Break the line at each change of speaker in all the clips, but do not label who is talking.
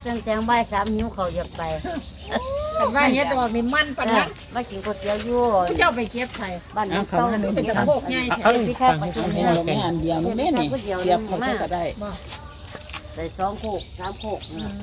ตั้งแต่บ่าย3หิวเขาอยากไป
กันว่าเฮ็ดดอกนี่มันปานนั้น
มากินก๋วยเตี๋ยวอยู่
ผู้เจ้าไปเก็บใส่
บ้านน้องเต้า
เป็นตะโพกใหญ่แท้
พี่ข้าไปกิน
นี่เราแค่อันเดียวมันไม่นี่เทียบเขาก็ได้
บ่
ใส่2โคก3โคก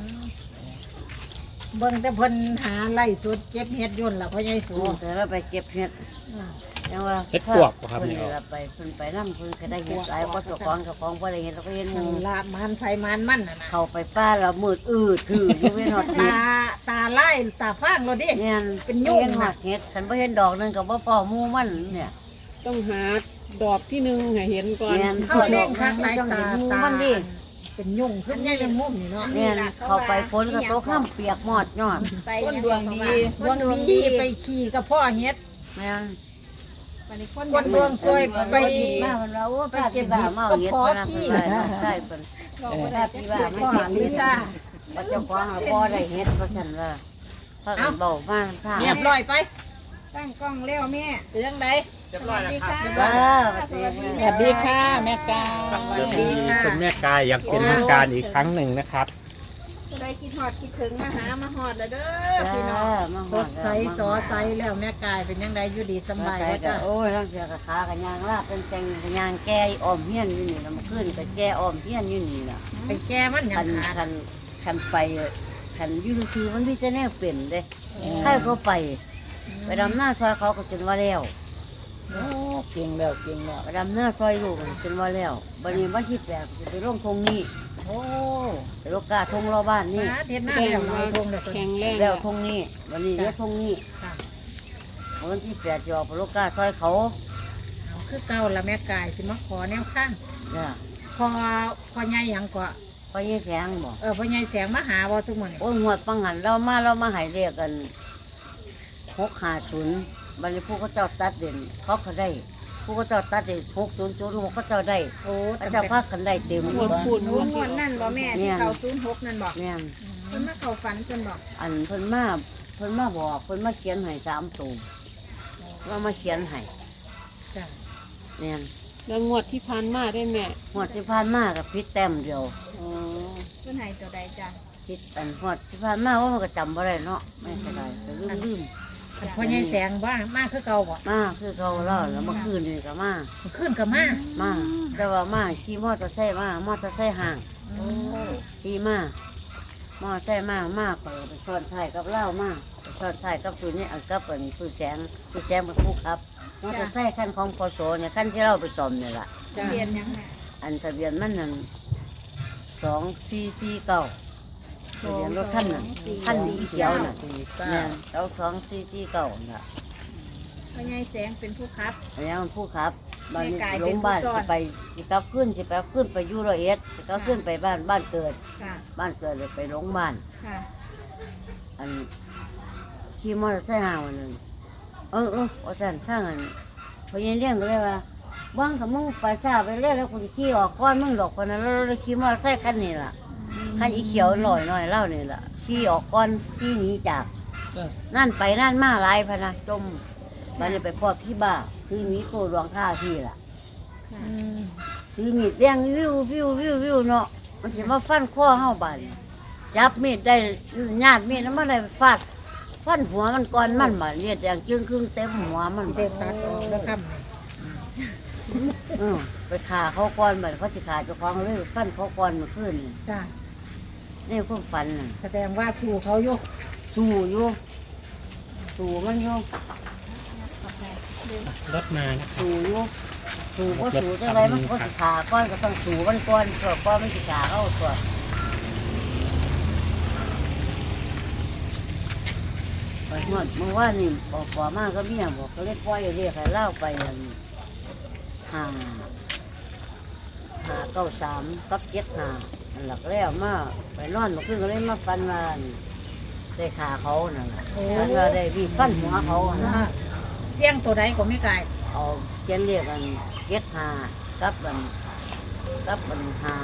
เบิ่งแต่เพิ่นหาไล่สุดเก็บเฮ็ดยุ่นล่ะพ่อใหญ่สู
แต่เราไปเก็บเห็ดยังว่า
เฮ็ดปวกบ่ครับ
เพิ่น
นี่
เราไปเพิ่นไปนำเพิ่นก็ได้เห็ดหลายกว่าเจ้าของบ่ได้เห็ดเราก็เห็นห
นั่
มู่
นละมันไผมันมันน่ะนะ
เข้าไปป้าแล้วมืดถืออยู่เว้นฮอดเห็ด
ตาไล่ตาฟางเราดิ
เนี่ย
เป็นยุ่ง
เห็นฮอ
น่ะ
ดเห็ดคันบ่เห็นดอกนึงก็บ่พอหมู่มันเนี่ย
ต้องหาดอกที่หนึ่งให้เห็นก่อน
เนี่ย
เข้าเล่งคักหลายตา
หมู่
ตา
มันดิ
เป็นยุ่งขึ้นใหญ่จังมุมนี่เนาะ
เนี่ยเข้าไปฝนก็ตกข้ามเปียกหมดยอด
ต้นดวงดี
คนดวงดีไปขี่กับพ่อเฮ็ด
แม่น
คนดวงซวยไป
มามันเรา
ไปเก็บเห็ดก็พอขี้
ได้เพิ่นได้ที่ว่าไม่
พ่อ
เห็น
ลิซ่า
ว่าเจ้าของบ่ได้เฮ็ดเพราะฉะนั้นว่าพากันเบามาท่า
เรียบร้อยไป
ตั้งกล้องแล้วแม่
เป็นจังได
สวัสดีค่ะ
สวัสดี
สวัสดีค่ะแม่กา
สวัสดีคุณแม่กายอยากเป็นทางการอีกครั้งหนึ่งนะครับ
ได้คิดฮอดคิดถึงมาหามาฮอดแล้วเด้อ
จ้า
พี่น้อง
มา
สดใสสอใสแล้วแม่กายเป็นยังไงอยู่ดีสบายว่าจ้ะ
โอ้ยร่างเสียกับขากับยางลาบเป็นแต่งกับยางแก่อ้อมเฮียนอยู่นี่แล้วมาขึ้นกับแก่อ้อมเฮียนอยู่นี่น่ะ
ไปแก้มันหยั
คั
ง
น
ขา
คันไปคันอยู่ซื่อๆมันมีแต่แนวเป็นเด้ใครเขาไปดำหน้าซอยเขาก็จนว่าแล้ว
โอ้เก่งแล้วเก่งแล้ว
ไปดำหน้าซอยลูกจนว่าแล้วบัดนี้วันที่8จะไปลงทงนี้
โอ้
ไปโลกาทงรอบ้านนี่
มาเทศหน้าแล้วน้อยทงเด้อ
แข็งแรง
แล้วทงนี้วันนี้เดี๋ยวทงนี้
ค่ะ
วันที่8จะออกไปโลกาซอยเขา
เอาคือเก่าละแม่กายสิมาขอแนวข้าง
จ้ะ
พอใหญ่หยังก็
พอยี่แสงบอก
พ่อใหญ่แสงมาหาบ่ซุมื้อนี้
โอ้ยหัวดปังหันเรามาให้เรียกกัน650บัดนี้ผู้เขาเจ้าตัดเด่นเขาก็ได้ ผู้เขาเจ้าตัดเด่น6006เขาเจ้าได้
โอ้
เขาเจ้าพักกันได้เต็ม
พูดพูด
โอ้งวดนั่นบ่แม่ที่เขา06นั่นบอก
เนี่ย
เพิ่นมาเข้าฝันจังบอก
อันเพิ่นมาบอกเพิ่นมาเขียนให้3ตัวว่ามาเขียนให้
จ้ะ
เนี่ย
แล้วงวดที่ผ่านมาได้แม่
หัวดที่ผ่านมากับพิษแต้มเดียว
อ๋อ
เพิ่นให้ตัวใดจ้ะ
พิษอันหัวดที่ผ่านมาว่ามันก็จำบ่ได้เนาะไม่เป็นไรแต่ลืม
พ่อใหญ่แสงบ้ามาคือเก่าบ่
มาคือเขาเล่าแล้วเมื่อคืนนี่ก็มา
ขึ้นก็มา
มาแต่ว่ามาขี่มอเตอร์ไซค์มามอเตอร์ไซค์ห่าง
โอ้
ขี่มามอเตอร์ไซค์มาไปซ้อนท้ายกับเล่ามาไปซ้อนท้ายกับตัวนี้อันกับอันผู้แสงเป็นผู้ขับมอเตอร์ไซค์คันของพศเนี่ยคันที่เราไปซ่อมเนี่ยล่ะ
จ้ะ
เรียนยังแม่
อันทะเบียนมันนั่น2449ทะเบียนรถคันนั้นคันสีเขียวน่ะ
49
เนี่ยเรา2449น่ะ
พ่อใหญ่แสงเป็นผู้ขับ
อันนี้มันผู้ขับบ้านนี้
แม่กาย
ล
เป็น
ง
ผู้
บ้าน
ซ่อน
สิกลับขึ้นไปอยู่ร้อยเอ็ดสิกลับขึ้นไปบ้านเกิด
ค่ะ
บ้านเกิดเลยไปโรงพยาบาล
ค่ะ
อันขี่มอเตอร์ไซค์ห่างวันนึงว่าสั่นข้างอันพอเย็นเลี้ยงก็เลยว่าบ้างกับมึงไปช้าไปเรื่อยแล้วคุณขี่ออกก้อนมึงดอกคนนั้นแล้วเราขี่มอเตอร์ไซค์คันนี้ล่ะคันอีเขียวลอยหน่อยเล่านี่ล่ะขี่ออกก้อนขี่หนีจากนั่นไปนั่นมาหลายพะนะจมบันนี้ไปพอพี่บ้าคือหนีโครวงข้าพี่ล่ะ
อืม
ถือมีดแดงวิวเนาะมันสิมาฟันข้อเฮาบาดนี้จับมีดได้ญาติมีดนั้นมาได้ฟาดฟันหัวมันก่อนมันบาดเลือดแดงจึงครึ่งเต็มหัวมัน
เด็
บาด
กตัดออกแล้วครับนี่
ไปฆ่าเขาก่อนบาดเขาสิฆ่าเจ้าของเลยฟันเขาก่อนเมื่อคืนนี่
จ้ะ
นี่ความฝันน่ะ
แสดงว่าสู้เขาอยู่
สู้อยู่สู้มันอยู่
รถมานะ
สู้อยู่สู้ก็สู้จังไรมันก็สิฆ่าก่อนก็ต้องสู้มันก่อนเพื่อก่อนมันสิฆ่าเขาตัวไปหมดเมื่อวานนี่ปอมากก็เมียบอกก็เลยปล่อยเรียกให้เล่าไปอัน593กับ75อันหลักแล้วมาไปนอนเมื่อคืนก็เลยมาฟันว่าอันได้ขาเขานั่นแหละฟันว่าได้วีฟันหัวเขาอะนะ
เสียงตัวใดก็ไม่ไกล
เอาเขียนเรียกกัน75กับ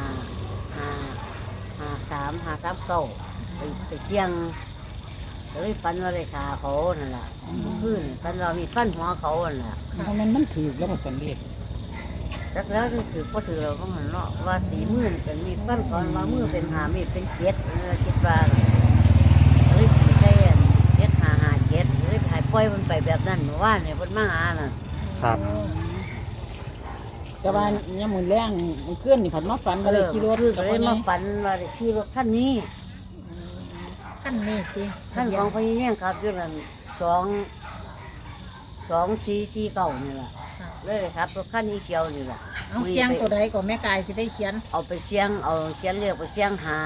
539ไปเสี่ยงก็เลยฟันว่าได้ขาเขานั่นแหละเมื่อคืนฟันว่ามีฟันหัวเขานั่นแหละ
เพราะมันถือแล้วก็สันเรียก
จักแล้วที่ถือก็ถือเราก็หันเนาะว่าตีมือเป็นมีฟันก่อนว่ามือเป็นหามีดเป็นเจ็ดคิดว่าเลยตีได้เจ็ดหาเจ็ดเลยหายปล่อยมันไปแบบนั้นเมื่อวานเนี่ยมันมาหาน่ะ
ครับ
แต่ว่ายังมือแรงมือเคลื่อนนี่ผัดมาฝันมาเลยขี่รถ
คือ
กับ
เล
พ่อย ใหญ่
มาฝันว่าได้ขี่รถคันนี้
ขั้นนี้สิ
คันของพี่เนี่ยครับอยู่นั่น2449นี่แหละเลยครับรถคันนี้เขียวนี่แหละ
เอาเสียงตัวใดก็แม่กายสิได้เขียน
เอาไปเสียงเอาเขียนเรียกไปเสียงหา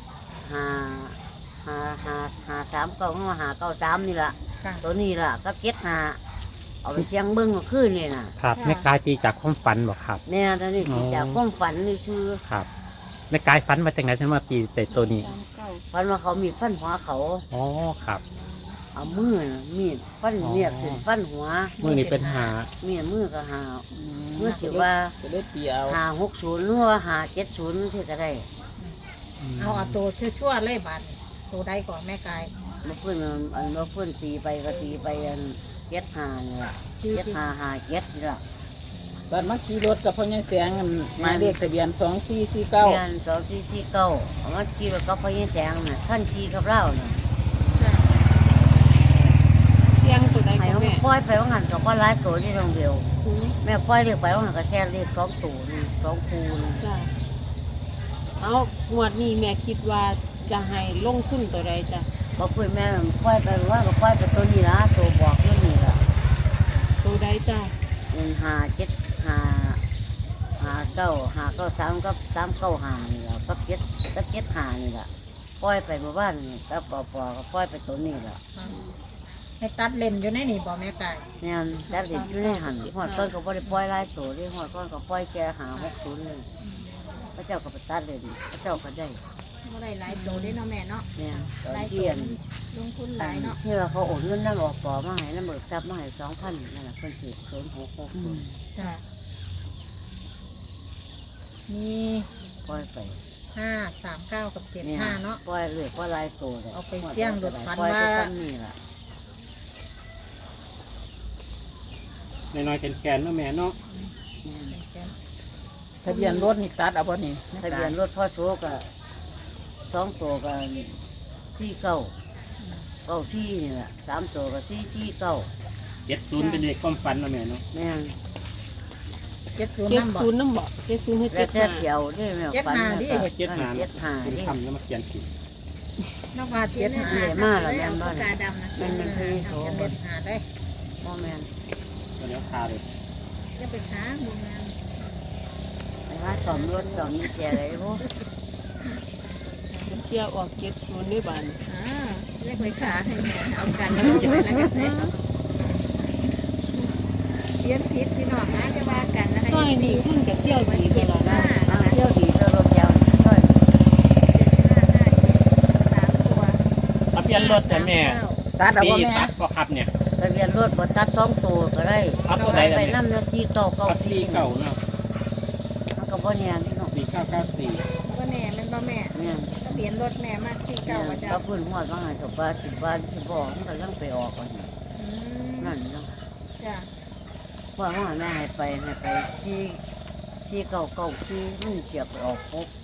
3 9หา9 3นี่แหละ
ค่ะ
ตัวนี้ล่ะก็เก็ตหาเอาไปเสียงเบิ้งเมื่อคืนนี่น่ะ
ครับแม่กายตีจากความฝันบ่ครับ
แม่ตอนนี้ที่จากความฝันนี่ชื่อ
ครับแม่กายฝันมาจากไหนถึงมาตีแต่ตัวนี้
ฝันว่าเขามีดฟันหัวเขา
อ๋อครับ
เอามือน่ะมีดฟันเนี่ยขึ้นฟันหัว
มือนี้เป็นหา
มีดมือก็หา เมื่อสิ
จะ
ว่า
ได้เตียว
560หรือว่า570ที่ก็ได้
เอาตัวชั่วๆเลยบาดตัวใดก่อนแม่กาย
มาเพื่อนมาเพื่อนตีไปก็ตีไปเก็ตหานี่ล่ะเก็ตหาเก็ตนี่ล่ะ
ตอนมาขี่รถกับพ่อใหญ่แสงหมายเลขทะเบียน
เดือน
2449
2449เอามาขี่รถกับพ่อยี่แสงน่ะท่านขี่กับเราน่ะ
เสียงตัวใด
ให้
ก็
เขา
แม่
ปล่อยไปว่างันกับว่าร้ายตัวที่โรงเดียวแม่ปล่อยเรียกไปว่างันก็แค่เรียก2ตัวนี่2คูนี่
จ้ะเอางวดนี้แม่คิดว่าจะให้ลงทุนตัวใดจ้ะ
บอกคุยแม่ปล่อยไปว่าก็ปล่อยไปตัวนี้ละตัวบอกตัวนี้ละ
ตัวใดจ้ะ
เงิน57593กับ395นี่ละกับ75นี่ละปล่อยไปเมื่อวานนี่กับปอก็ปล่อยไปตัวนี้ละ
ให้ตัดเล่นอยู่ในนี่บ่แม่กาย
เนี่ยแต่เด็กอยู่ในหันหอดก้อนก็บ่ได้ปล่อยหลายตัวเลยหอดก้อนก็ปล่อยแค่560นี่พระเจ้าก็ไปตัดเลยดิพระเจ้าก็ได้
บ่ได้หลายโตได้เนาะแม่เนาะ
เนี่ยตอน
หลายโต
เที่ยง
ลงทุนหลายเนาะ
เชื่อเขาโอนเงินน้ำออกปอมาให้น้ำเบิกทรัพย์มาให้2,000นั่นแหละคนสิ0660
จ้ะมี
ปล่อยไป
539กับ
เนี่ย
75เนาะ
ปล่อยเลยปล่อยหลายตัวเลย
เอาไปเสี่ยงโดดฟัน
ปล่อยไป
ว่า
ซ้ำนี่ล่ะ
น้อยๆแกนๆเนาะแม่เนาะ
ทะเบียนรถนี่ตัดเอาบ่นี่
ทะเบียนรถพ่อโซกะ2ตัวกัน49ที่นี่แหละ3ตัวก็449
70เป็นเลขความฝันเนาะแม่เนาะ
แม่น
70
เจ็ด
นำบ่
ศูนย์น้ำบ่70ให้
แล้วแต่
75
เสียวด้วยแม่ฝัน
75ดิ
คุณ
ดิ
ทำแล้วมาเขียนผิด
นอกว่า
เขียน
75
หา
มาแล้วแม่นบ่
ปากกาดำนะ
มันเป็นคือโซ
จะ
บ่
เล่นหาได้
บ่แม่น
ตัวนี้คาเลย
จะไปค้าหมู่งาน
ไปหาซ่อมรถซ่อมนี่แจอะไรบ่
เที่ยวออก70ได้บาดนี้
เรียกไปค้าให้แม่เอากันแล้วจะไปแล้วกันเลยเขียนผิดพี่น้องนะจะว่ากันนะคะ
ซอยนี้เพิ่นก็เที่ยวดีตลอดนะ
เอาเที่ยวดีตัวรถแถวซอย
3ตัว
ทะเบียนรถแต่แม่
ตัดเอา
ตี
บ่แม่
ตัดก็ครับเนี่ย
ทะเบียนรถบ่ตัด2ตัวก็ได้
เอาตัวใดล่ะ
ไป
แม่
นำเนาะ
เอาสี่
4994
เก่าเนาะ
มันก็บ่แน่นี่เนาะ
4994
ก็แน่แมันบ่แม่
แม่น
ทะเบียนรถแม่มากสี่เก้าประจ
ก็เพิ่นฮอดว่าให้กับว่า10บาท10บ่มันก็ยังไปออกอันนี้
ำ
นั่นเนาะ
จ้ะ
ว่าว่าแม่ให้ไปที่4994มันเสียไปออก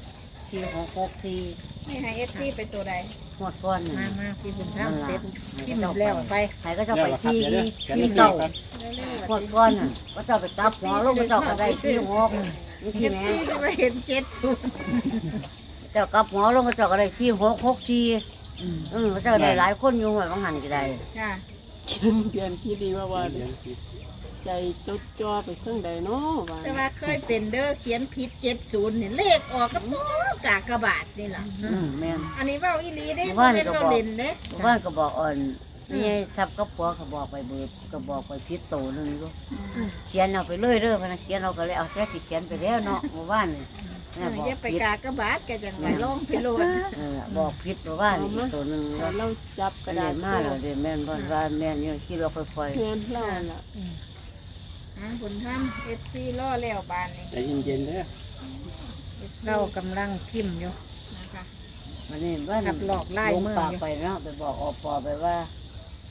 4664
ให้ให้เอฟซีไปตัวใด
ฮอดก่อนนี่
มาพี่บุญธรรม
นั่น
เสร็
ล่ะ
จพิมพ์แล้วไป
ให้ก็จะไป
แล้วครับเดี๋ยวเดี๋ยว
ที่
เดี๋ยว
เก่า
เร็ว
หมดก้อนน่ะก็จะไปตับหัวลงก็เจ้าก็ได้ที่หัวนี่
ๆเอ
ที่
ฟ
แม่
ซีจะมาเห็น70
เจ้ากับหัวลงก็เจ้าก็ได้ที่6ทีก็เจ้าได้หลายคนอยู่ว่าบางหันก็ได้
จ้ะ
เดือนที่ดีว่า
เขียนผิด
ใจจดจ่อไปเครื่องใดเนาะว่า
แต่ว่าเคยเป็นเด้อเขียนผิด70นี่เลขออกกับโต๊ะกากบาทนี่ล่ะ
แม่น
อันนี้เว้าอีหลีเด้
ว่า
บ่
นี่
แม่น
ก็
เรา
บอก
เล่นเด้
บ้านก็บอกอ่อนนี่ไอ้ซับกับผัวเขาบอกไปเบิดก็บอกไปพิษโตนึงอยู่เขียนเอาไปเลยเด้อพนักเขียนเอาก็เลยเอาแค่ที่เขียนไปแล้วเนาะเมื่อวานนี่แม่บอก
อย่าไป
พิษ
กากบาทแกจังไปลองพิโรด
บอกพิษเมื่อวานนี่ตัวนึง
แต่เราจับก
กระ
ระ
ดา
ดา
ษ
ษ
มา
มา
แล้วเดี๋ยวแม่นบ่ว่าแม่นอยู่ที่เราค่อย
เงินเราล่ะ
บุญธรรม FC ล่อแล้วบานนี่
ใจเย็นๆเด้อ
เรากำลังพิมพ์อยู่
นะคะ
ๆมันนี่ว่า
กับหลอกไล่
ลง
มือ
ปาก
อยู่
ไปเนาะไปบอกอปอไปว่า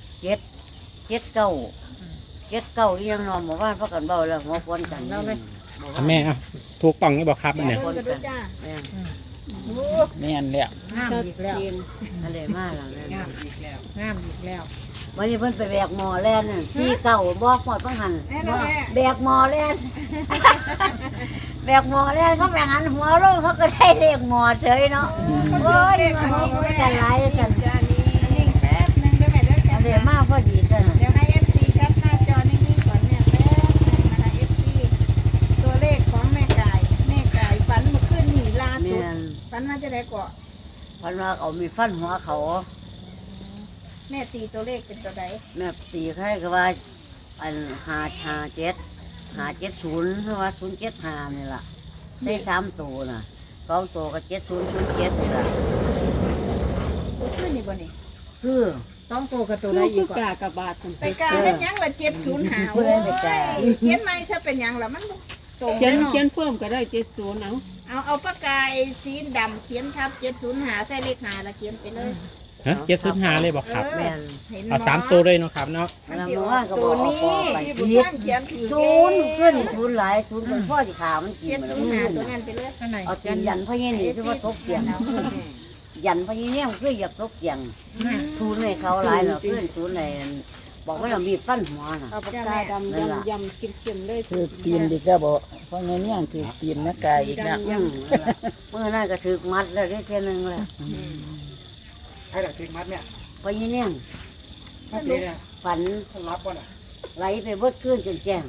7 7 9 7 9อีหยังเนาะเมื่อวานพากันเว้าแล้วหัวควนกัน
เราเลย
บอก
แม่เอาถูกต้องนี่บอกครับ
แม่
เนี่ย
เบิ่งกันด้วยจ้า
แม่น
แม่นแล้ว
งามอีกแล้ว
อะไรมาแล้วแม่น
งามอีกแล้วงามอีกแล้ว
วันนี้เพิ่นไปแบกหมอแล่นน่ะซี่เก่าบอกหมดบังหัน
แม่นะแม่
แบกหมอแล่น แบกหมอแล่นเขาแบกหันหัวลงเขาก็ได้เลขหมอเฉยเนาะโอ้ยมันนี่ไม่กันหลายกัน
จ้านี่นิ่งแป๊บนึงได้ไหมเด้อแค
อั
ป
นนี้มาพอดีจ้ะ
เดี๋ยวให้ FC แคปหน้าจอนิ่งๆก่อนเนี่ยแป๊บนึงนะคะ FC ตัวเลขของแม่ไก่ฝันเมื่อคืนนี่ล่าสุด
แม่น
ฝันว่าจะได้ก่อ
เพันว่าเอามีฟันหัวเขา
แม่ตีตัวเลขเป็นตัวใด
แม่ตีใครก็ว่าอัน557 570เพราะว่า075นี่ล่ะได้3ตัวน่ะ2ตัวก็7007นี่ล่ะ
เมื่อคืนนี่บ่นี่
คือ
สองตัวกับตัว
คื
ใด
อ
อี
คื
ก
อก
ว่า
ากบาทสัน
ไปกาเฮ็ดหยังละ705โอ้ยเขียนใหม่ซะเป็นหยังล่ะมันบ่ตรง
เขียน
เนาะ
เขียนเพิ่มก็ได้70เอา
เอาปากกาไอ้สีดำเขียนทับ705ใส่เลข5แล้วเขียนไปเลย
ฮะ705เลยบอกครับ
แม่น
เห็น
เอา3ตัวเลยเนาะครับเนาะ
มันสิออกตัวนี้ที่บุญท่านเขียนถือ
ศูนย์ขึ้นศูนย์หลายศูนย์เป็นพ่อสิขามันกิน
705ตัวนั้นไปเลย
อันไหน
เอากินยันพ่อเย็นนี่ที่ว่าตกเตียงยันพ่อเย็นเนี่ยคืออยากตกเตียงศูนย์ในเขาหลายเนาะเพื่อนศูนย์ในบอกว่าเรามีฟันหัวน่ะ
เอาปากกาดำยำเข้มๆเลย
ถือตีนดีก็บ่เพราะเนี่ยถือตีนแม่กายอีกแล้ว
อืมเมื่อนั้นก็ถือมัดแล้วได้เท่ยนึงแล้ว
ให้หลักทิ้งมัดเนี่ย
พ่อเย็นเนี่ย
มัดนี้เนี่ย
ฝัน
ต้องรับก่อนอ่ะ
ไหลไปเบิดขึ้นจนแจ้ง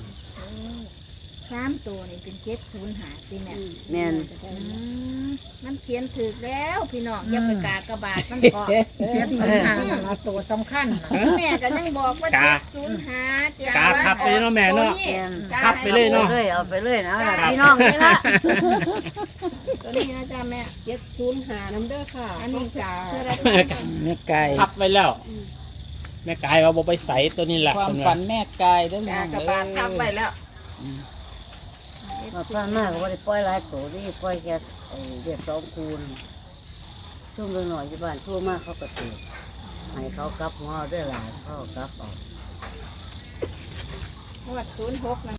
3ตัวนี่เป็น705ติแม่
แม่น
มันเขียนถูกแล้วพี่น้องอย่าไปกากระบาดมันเกาะ
705ละตัวสำคัญน่ะ
แม่ก็ยังบอกว่า705
กาทับไปเนาะแม่เนาะ ทับไปเลยเนาะ
เอาไปเลยนะพี่น้องนี่ละ
ตัวนี้นะจ๊ะแม่
705น้ำเด้อค่ะ
อันนี้จ้าเพื่อได้
แม่กาย
ทับไปแล้ว แม่กายว่าบ่ไปใส่ตัวนี้แหละ
ความฝันแม่กายเด้อน้
กา
อง
กระบาดทับไปแล้ว
มาฟังมากก็ว่าได้ปล่อยหลายตัวนี่ปล่อยแค่เด็ก2คูณช่วงเล็กหน่อยที่บ้านทั่วมากเขาก็ตีให้เขากลับหัวด้วยหลานเขากลับออก
งวด06นะ